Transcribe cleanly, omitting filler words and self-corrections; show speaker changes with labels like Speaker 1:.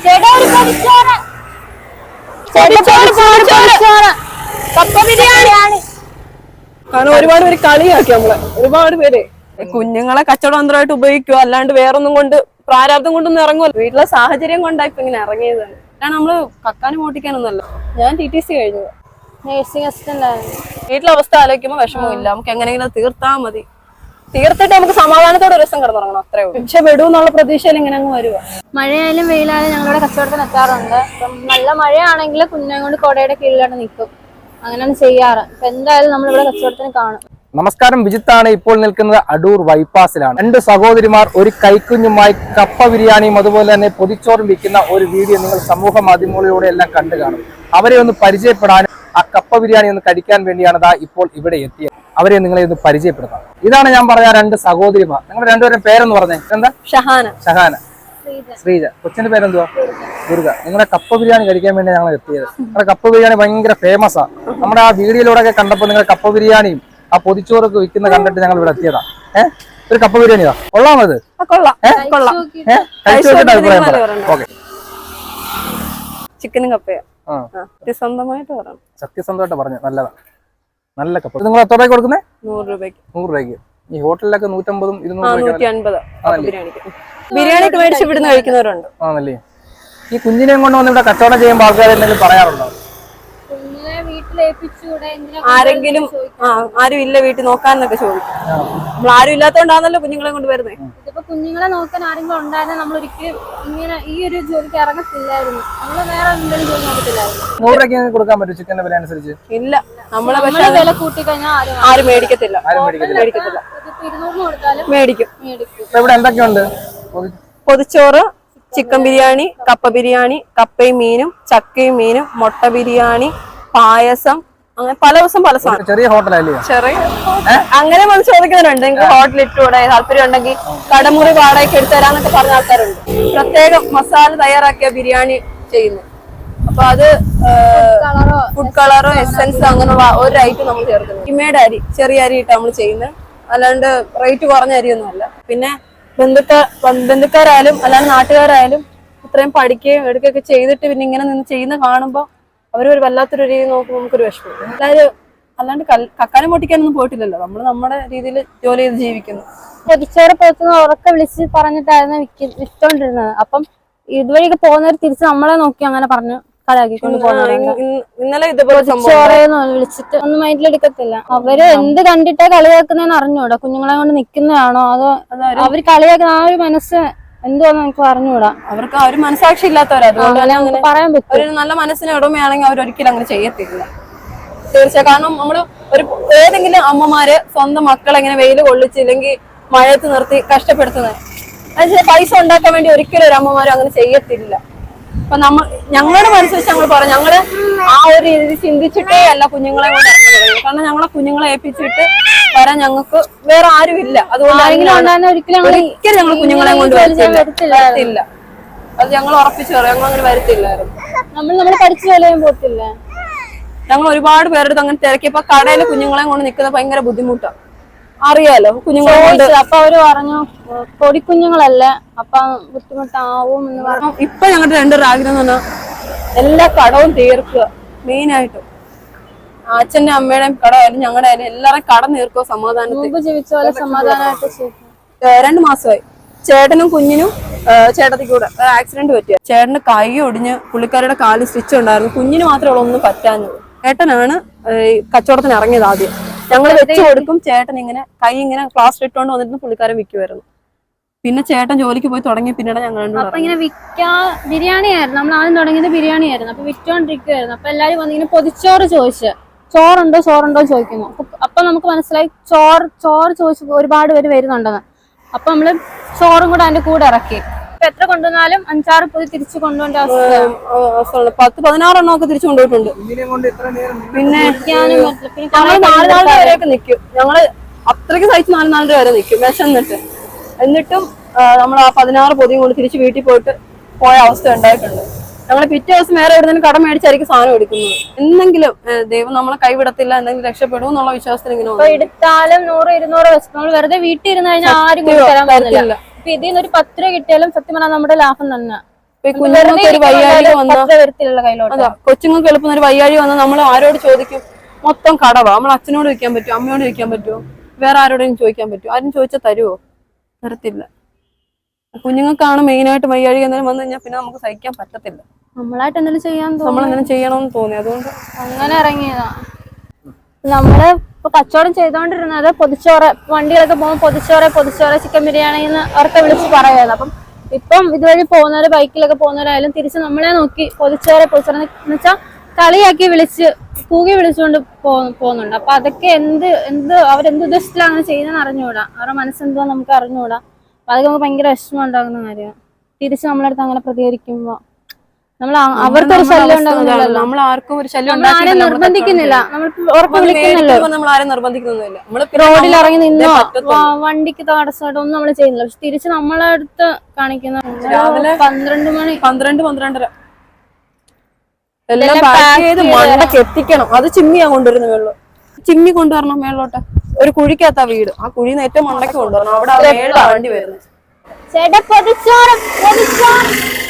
Speaker 1: കാരണം ഒരുപാട് പേര് കളിയാക്കി നമ്മളെ, ഒരുപാട് പേര് കുഞ്ഞുങ്ങളെ കച്ചവടതന്ത്രമായിട്ട് ഉപയോഗിക്കുക, അല്ലാണ്ട് വേറൊന്നും കൊണ്ട് പ്രാരാബ്ദം കൊണ്ടൊന്നും ഇറങ്ങുമല്ലോ. വീട്ടിലെ സാഹചര്യം കൊണ്ടാ ഇപ്പൊ ഇങ്ങനെ ഇറങ്ങിയത്. കാരണം നമ്മള് കക്കാനും ഓട്ടിക്കാനൊന്നല്ല. ഞാൻ TTC കഴിഞ്ഞു,
Speaker 2: നേഴ്സിംഗ് അസിസ്റ്റന്റ് ആയിരുന്നു.
Speaker 1: വീട്ടിലെ അവസ്ഥ ആലോചിക്കുമ്പോൾ വിഷമമില്ല, നമുക്ക് എങ്ങനെയെങ്കിലും തീർത്താൽ മതി. തീർത്തിട്ട് നമുക്ക് സമാധാനത്തോടെ ഒരു ദിവസം കിടന്നുറങ്ങണം, അത്രേ ഉള്ളൂ. പക്ഷെ വിടുമെന്നുള്ള പ്രതീക്ഷയിൽ ഇങ്ങനെ അങ്ങ് വരുക.
Speaker 2: മഴയായാലും വെയിലായാലും ഞങ്ങളുടെ കച്ചവടത്തിന് എത്താറുണ്ട്. അപ്പം നല്ല മഴയാണെങ്കിൽ കുഞ്ഞെ കൊണ്ട് കൊടയുടെ കീഴിലാണ് നിൽക്കും, അങ്ങനെയാണ് ചെയ്യാറ്. അപ്പൊ എന്തായാലും നമ്മളിവിടെ കച്ചവടത്തിന് കാണും.
Speaker 3: നമസ്കാരം, വിജിത്താണ്. ഇപ്പോൾ നിൽക്കുന്നത് അടൂർ ബൈപ്പാസിലാണ്. 2 സഹോദരിമാർ ഒരു കൈക്കുഞ്ഞുമായി കപ്പ ബിരിയാണിയും അതുപോലെ തന്നെ പൊതിച്ചോറും വിൽക്കുന്ന ഒരു വീഡിയോ നിങ്ങൾ സമൂഹ മാധ്യമങ്ങളിലൂടെ എല്ലാം കണ്ടു കാണും. അവരെ ഒന്ന് പരിചയപ്പെടാനും ആ കപ്പ ബിരിയാണി ഒന്ന് കഴിക്കാൻ വേണ്ടിയാണ് ഇപ്പോൾ ഇവിടെ എത്തിയത്. അവരെ നിങ്ങളെ ഒന്ന് പരിചയപ്പെടുത്താം. ഇതാണ് ഞാൻ പറഞ്ഞ 2 സഹോദരിമാർ. നിങ്ങൾ രണ്ടുപേരും പേരെന്ന് പറഞ്ഞേ? എന്താ?
Speaker 1: ഷഹാന,
Speaker 3: ശ്രീജ. കൊച്ചിന്റെ പേരെന്തുവാ? ദുർഗ. നിങ്ങളുടെ കപ്പ ബിരിയാണി കഴിക്കാൻ വേണ്ടി ഞങ്ങൾ എത്തിയത്. നിങ്ങളുടെ കപ്പ ബിരിയാണി ഭയങ്കര ഫേമസ് ആണ്. നമ്മുടെ ആ വീഡിയോയിലൂടെ ഒക്കെ കണ്ടപ്പോൾ നിങ്ങൾ കപ്പ ബിരിയാണിയും ആ പൊതിച്ചോറൊക്കെ വിൽക്കുന്ന കണ്ടിട്ട് ഞങ്ങൾ ഇവിടെ എത്തിയതാ. ഒരു കപ്പ ബിരിയാണിയാ? കൊള്ളാമത്? അഭിപ്രായം പറയാം. ഓക്കെ.
Speaker 1: ചിക്കനും കപ്പയാ സത്യസന്ധമായിട്ട് പറഞ്ഞു.
Speaker 3: സത്യസന്ധമായിട്ട് പറഞ്ഞു. നല്ലതാ, നല്ല കപ്പ. നിങ്ങൾ എത്ര രൂപയ്ക്ക് കൊടുക്കുന്നത്?
Speaker 1: 100 രൂപയ്ക്ക്.
Speaker 3: 100 രൂപയ്ക്ക്. ഈ ഹോട്ടലിലൊക്കെ 150, 200
Speaker 1: ബിരിയാണിക്ക് മേടിച്ച് ഇവിടുന്ന് കഴിക്കുന്നവരുണ്ട്.
Speaker 3: ആണല്ലേ? ഈ കുഞ്ഞിനെയും കൊണ്ട് വന്ന് ഇവിടെ കച്ചവടം ചെയ്യുമ്പോൾ ആൾക്കാർ എന്തെങ്കിലും പറയാറുണ്ടോ?
Speaker 1: ആരെങ്കിലും ആരും ഇല്ല വീട്ടിൽ നോക്കാന്നൊക്കെ ചോദിക്കും. നമ്മൾ ആരും ഇല്ലാത്തോണ്ടാണല്ലോ കുഞ്ഞുങ്ങളെ കൊണ്ട് വരുന്നത്.
Speaker 2: ഇതിപ്പോ കുഞ്ഞുങ്ങളെ നോക്കാൻ ആരെങ്കിലും ഉണ്ടായിരുന്നെ നമ്മൾ ഒരിക്കലും ഇങ്ങനെ ഈ ഒരു ജോലിക്ക് ഇറങ്ങത്തില്ലായിരുന്നു. നമ്മള് വേറെ എന്തെങ്കിലും ജോലി നോക്കത്തില്ലായിരുന്നു.
Speaker 3: 100 രൂപയ്ക്ക് കൊടുക്കാൻ പറ്റും ചിക്കന്റെ വില അനുസരിച്ച്?
Speaker 1: ഇല്ല, നമ്മളെ
Speaker 2: വില കൂട്ടി കഴിഞ്ഞാൽ
Speaker 1: ആരും മേടിക്കത്തില്ല.
Speaker 2: 200 കൊടുത്താലും
Speaker 1: മേടിക്കും.
Speaker 3: ഇവിടെ എന്തൊക്കെയുണ്ട്?
Speaker 1: പൊതിച്ചോറ്, ചിക്കൻ ബിരിയാണി, കപ്പ ബിരിയാണി, കപ്പയും മീനും, ചക്കയും മീനും, മുട്ട ബിരിയാണി, പായസം, അങ്ങനെ പല ദിവസം പല സാധനം.
Speaker 3: ചെറിയ ഹോട്ടലല്ലേ?
Speaker 1: ചെറിയ അങ്ങനെ വന്ന് ചോദിക്കുന്നുണ്ട്. നിങ്ങൾക്ക് ഹോട്ടൽ ഇട്ടൂടെ, താല്പര്യം ഉണ്ടെങ്കിൽ കടമുറി വാടകയ്ക്ക് എടുത്തു തരാന്നൊക്കെ പറഞ്ഞ ആൾക്കാരുണ്ട്. പ്രത്യേകം മസാല തയ്യാറാക്കിയ ബിരിയാണി ചെയ്യുന്നു. അപ്പൊ അത് ഫുഡ് കളറോ എസെൻസ് അങ്ങനെയുള്ള ഒരു ഐറ്റം നമ്മൾ ചേർക്കുന്നത്. ഇമയുടെ അരി, ചെറിയ അരി ഇട്ട് നമ്മൾ ചെയ്യുന്നത്, അല്ലാണ്ട് റേറ്റ് കുറഞ്ഞ അരിയൊന്നും അല്ല. പിന്നെ ബന്ധുക്കാരായാലും അല്ലാണ്ട് നാട്ടുകാരായാലും ഇത്രയും പഠിക്കുകയും എടുക്കുകയൊക്കെ ചെയ്തിട്ട് പിന്നെ ഇങ്ങനെ നിന്ന് ചെയ്യുന്ന കാണുമ്പോൾ അവരൊരു വല്ലാത്തൊരു രീതി നോക്കുമ്പോൾ നമുക്കൊരു വിഷമം. എല്ലാവരും അല്ലാണ്ട് കക്കാനും പൊട്ടിക്കാനൊന്നും പോയിട്ടില്ലല്ലോ, നമ്മൾ നമ്മുടെ രീതിയിൽ ജോലി ചെയ്ത് ജീവിക്കുന്നു.
Speaker 2: പൊതിച്ചോറ് പുറത്തുനിന്ന് ഉറക്കെ വിളിച്ച് പറഞ്ഞിട്ടായിരുന്നു വിറ്റോണ്ടിരുന്നത്. അപ്പം ഇതുവഴിയൊക്കെ പോകുന്നവർ തിരിച്ച് നമ്മളെ നോക്കി അങ്ങനെ പറഞ്ഞു കളയാക്കിക്കൊണ്ട്
Speaker 1: ഇന്നലെ ഇതുപോലെ
Speaker 2: ചോറേന്ന് വിളിച്ചിട്ട് ഒന്നും മൈൻഡിലെടുക്കത്തില്ല. അവര് എന്ത് കണ്ടിട്ടാ കളിയാക്കുന്നതെന്ന് അറിഞ്ഞൂടാ. കുഞ്ഞുങ്ങളെ കൊണ്ട് നിക്കുന്നതാണോ അതോ അവര് കളിയാക്കുന്ന ആ ഒരു മനസ്സ് എന്തുവാന്ന് നമുക്ക് അറിഞ്ഞൂടാ.
Speaker 1: അവർക്ക് ആ ഒരു മനസാക്ഷി ഇല്ലാത്തവരാ. അതുകൊണ്ട്
Speaker 2: നമുക്ക് പറയാൻ പറ്റും.
Speaker 1: ഒരു നല്ല മനസ്സിന് ഉടമയാണെങ്കിൽ അവരൊരിക്കലും അങ്ങനെ ചെയ്യത്തില്ല. തീർച്ചയായും. കാരണം നമ്മള് ഏതെങ്കിലും അമ്മമാര് സ്വന്തം മക്കളെ ഇങ്ങനെ വെയില് കൊള്ളിച്ചില്ലെങ്കിൽ മഴയത്ത് നിർത്തി കഷ്ടപ്പെടുത്തുന്നത്, അതിന് പൈസ ഉണ്ടാക്കാൻ വേണ്ടി ഒരിക്കലും ഒരു അമ്മമാരും അങ്ങനെ ചെയ്യത്തില്ല. അപ്പൊ ഞങ്ങളുടെ മനസ്സ് വെച്ച് ഞങ്ങൾ പറയാം, ഞങ്ങള് ആ ഒരു രീതി ചിന്തിച്ചിട്ടേ അല്ല കുഞ്ഞുങ്ങളെ കൊണ്ട് ഇറങ്ങി തുടങ്ങി. കാരണം ഞങ്ങളെ കുഞ്ഞുങ്ങളെ ഏൽപ്പിച്ചിട്ട് വരാൻ ഞങ്ങൾക്ക് വേറെ ആരും ഇല്ല. അതുകൊണ്ട് ഒരിക്കലും ഞങ്ങൾ കുഞ്ഞുങ്ങളെ കൊണ്ട് വരത്തില്ല. അത് ഞങ്ങൾ ഉറപ്പിച്ചു പറയാം, ഞങ്ങൾ അങ്ങനെ വരത്തില്ലായിരുന്നു.
Speaker 2: നമ്മൾ പഠിച്ചു കളയാൻ പോകത്തില്ല.
Speaker 1: ഞങ്ങൾ ഒരുപാട് പേരെടുത്ത് അങ്ങനെ തിരക്കിയപ്പോ കടയില് കുഞ്ഞുങ്ങളെ കൊണ്ട് നിൽക്കുന്നത് ഭയങ്കര ബുദ്ധിമുട്ടാണ്. അറിയാലോ കുഞ്ഞുങ്ങളെ.
Speaker 2: അപ്പൊ അവര് പറഞ്ഞു പൊടിക്കുഞ്ഞുങ്ങളല്ലേ, അപ്പൊ ബുദ്ധിമുട്ടാവും എന്ന് പറഞ്ഞു.
Speaker 1: ഇപ്പൊ ഞങ്ങളുടെ 2 ആഗ്രഹം എന്ന് പറഞ്ഞാൽ എല്ലാ കടവും തീർക്കുക. മെയിനായിട്ടും അച്ഛന്റെ അമ്മയുടെയും കടമായാലും ഞങ്ങളുടെ ആയാലും എല്ലാവരും കട തീർക്കുക. സമാധാനത്തിൽ
Speaker 2: ജീവിച്ച പോലെ സമാധാനമായിട്ട്
Speaker 1: 2 മാസമായി ചേട്ടനും കുഞ്ഞിനും ചേട്ടത്തിക്ക് കൂടെ ആക്സിഡന്റ് പറ്റിയ. ചേട്ടന് കൈ ഒടിഞ്ഞ് പുള്ളിക്കാരുടെ കാലിൽ സ്റ്റിച്ച് ഉണ്ടായിരുന്നു. കുഞ്ഞിന് മാത്രമേ ഒന്നും പറ്റാഞ്ഞത്. ചേട്ടനാണ് കച്ചവടത്തിന് ഇറങ്ങിയത്. ആദ്യം ഞങ്ങൾ വെച്ച് കൊടുക്കും, ചേട്ടൻ ഇങ്ങനെ കൈ ഇങ്ങനെ പ്ലാസ്റ്റർ ഇട്ടുകൊണ്ട് വന്നിരുന്നു പുള്ളിക്കാരൻ വിൽക്കുമായിരുന്നു. പിന്നെ ചേട്ടൻ ജോലിക്ക് പോയി തുടങ്ങിയ പിന്നീട് ഞങ്ങൾ
Speaker 2: അപ്പൊ ഇങ്ങനെ ബിരിയാണി ആയിരുന്നു. നമ്മൾ ആദ്യം തുടങ്ങിയത് ബിരിയാണി ആയിരുന്നു. അപ്പൊ വിറ്റോണ്ടിരിക്കുവായിരുന്നു. അപ്പൊ എല്ലാരും വന്നിങ്ങനെ പൊതിച്ചോറ് ചോദിച്ചു, ചോറുണ്ടോ ചോദിക്കുന്നു. അപ്പൊ നമുക്ക് മനസ്സിലായി ചോറ് ചോദിച്ചു ഒരുപാട് പേര് വരുന്നുണ്ടെന്ന്. അപ്പൊ നമ്മള് ചോറും കൂടെ അതിന്റെ കൂടെ ഇറക്കി. ഇപ്പൊ എത്ര കൊണ്ടുവന്നാലും 5-6 പൊതി തിരിച്ചു കൊണ്ടുപോകേണ്ട അവസ്ഥ.
Speaker 1: 10-16 എണ്ണമൊക്കെ തിരിച്ചു കൊണ്ടുപോയിട്ടുണ്ട്. പിന്നെ ഞങ്ങൾ 4 വരെയൊക്കെ നിൽക്കും. ഞങ്ങള് അത്രയ്ക്ക് സഹിച്ച് 4 വരെ നിൽക്കും വിശന്നിട്ട്. എന്നിട്ടും നമ്മൾ ആ 16 പൊതിയും കൊണ്ട് തിരിച്ച് വീട്ടിൽ പോയ അവസ്ഥ ഉണ്ടായിട്ടുണ്ട്. ഞങ്ങൾ പിറ്റേ ദിവസം വേറെ എവിടെയെങ്കിലും കടം മേടിച്ചായിരിക്കും സാധനം എടുക്കുന്നത്. എന്തെങ്കിലും ദൈവം നമ്മളെ കൈവിടത്തില്ല, എന്തെങ്കിലും രക്ഷപ്പെടും എന്നുള്ള വിശ്വാസത്തിൽ ഇങ്ങനെ
Speaker 2: എടുത്താലും 100-200 വെച്ച് നമ്മൾ വെറുതെ വീട്ടിൽ ഇരുന്ന് കഴിഞ്ഞാൽ ആരും തരാൻ പറ്റില്ല. അപ്പൊ ഇതിൽ നിന്ന് ഒരു 10 രൂപ കിട്ടിയാലും സത്യം പറഞ്ഞാൽ നമ്മുടെ ലാഭം തന്നെ.
Speaker 1: ഈ കുഞ്ഞുങ്ങൾക്ക് ഒരു വയ്യാഴിക വന്ന
Speaker 2: വരത്തിലുള്ള കയ്യിലോട്ട്.
Speaker 1: അതാ കൊച്ചുങ്ങൾക്ക് എളുപ്പം ഒരു വയ്യാഴിക വന്നാൽ നമ്മൾ ആരോട് ചോദിക്കും? മൊത്തം കടവാ. നമ്മൾ അച്ഛനോട് ചോദിക്കാൻ പറ്റുമോ, അമ്മയോട് ചോദിക്കാൻ പറ്റുമോ, വേറെ ആരോടെങ്കിലും ചോദിക്കാൻ പറ്റുമോ? ആരും ചോദിച്ചാൽ തരുമോ? തരത്തില്ല. കുഞ്ഞുങ്ങൾക്കാണ് മെയിനായിട്ട് വയ്യാഴിക എന്തെങ്കിലും വന്നു കഴിഞ്ഞാൽ പിന്നെ നമുക്ക് സഹിക്കാൻ പറ്റത്തില്ല.
Speaker 2: നമ്മളായിട്ട് എന്തെങ്കിലും ചെയ്യാൻ
Speaker 1: നമ്മളെന്തെങ്കിലും ചെയ്യണമെന്ന് തോന്നി, അതുകൊണ്ട്
Speaker 2: അങ്ങനെ ഇറങ്ങിയതാ. നമ്മള് ഇപ്പൊ കച്ചവടം ചെയ്തോണ്ടിരുന്നത് പൊതിച്ചോറ്, വണ്ടികളൊക്കെ പോകുമ്പോൾ പൊതിച്ചോറ് ചിക്കൻ ബിരിയാണി എന്ന് അവർക്ക് വിളിച്ച് പറയുമായിരുന്നു. അപ്പം ഇപ്പം ഇതുവഴി പോകുന്നവര്, ബൈക്കിലൊക്കെ പോകുന്നവരായാലും തിരിച്ച് നമ്മളെ നോക്കി പൊതിച്ചോറ് എന്ന് വെച്ചാൽ കളിയാക്കി കൂകി വിളിച്ചുകൊണ്ട് പോകുന്നുണ്ട്. അപ്പൊ അതൊക്കെ അവരെന്ത് ഉദ്ദേശത്തിലാണ് അങ്ങനെ ചെയ്യുന്നതെന്ന് അറിഞ്ഞുകൂടാ. അവരുടെ മനസ്സെന്തോ നമുക്ക് അറിഞ്ഞുകൂടാ. അപ്പൊ അതൊക്കെ നമുക്ക് ഭയങ്കര വിഷമം ഉണ്ടാകുന്ന കാര്യമാണ്. തിരിച്ച് നമ്മളടുത്ത് അങ്ങനെ പ്രതികരിക്കുമ്പോ അവർക്ക് ഒരു ശല്യം ഉണ്ടാകുന്നില്ലല്ലോ.
Speaker 1: നമ്മൾ ആർക്കും ഒരു ശല്യം
Speaker 2: ആരും നിർബന്ധിക്കുന്നില്ല.
Speaker 1: നമ്മൾ ആരും നിർബന്ധിക്കുന്നില്ല.
Speaker 2: റോഡിൽ ഇറങ്ങി നിന്നോ വണ്ടിക്ക് തടസ്സമായിട്ടോ ഒന്നും നമ്മൾ ചെയ്യുന്നില്ല. പക്ഷെ തിരിച്ച് നമ്മളെ അടുത്ത് കാണിക്കുന്ന
Speaker 1: രാവിലെ
Speaker 2: 12 മണി
Speaker 1: 12-12:30 എല്ലാം പാക്ക് ചെയ്ത് മണ്ടക്ക് എത്തിക്കണം. അത് ചിമ്മിയാ കൊണ്ടുവരുന്ന വെള്ളം, ചിമ്മി കൊണ്ടുവരണം മേളോട്ട്. ഒരു കുഴിക്കകത്താ വീട്, ആ കുഴിന്ന് ഏറ്റവും മണ്ടക്ക് കൊണ്ടുവരണം. അവിടെ മേളിലാണ് വണ്ടി വരുന്നത്.
Speaker 2: ചേട്ടാ പൊതിച്ചോറ്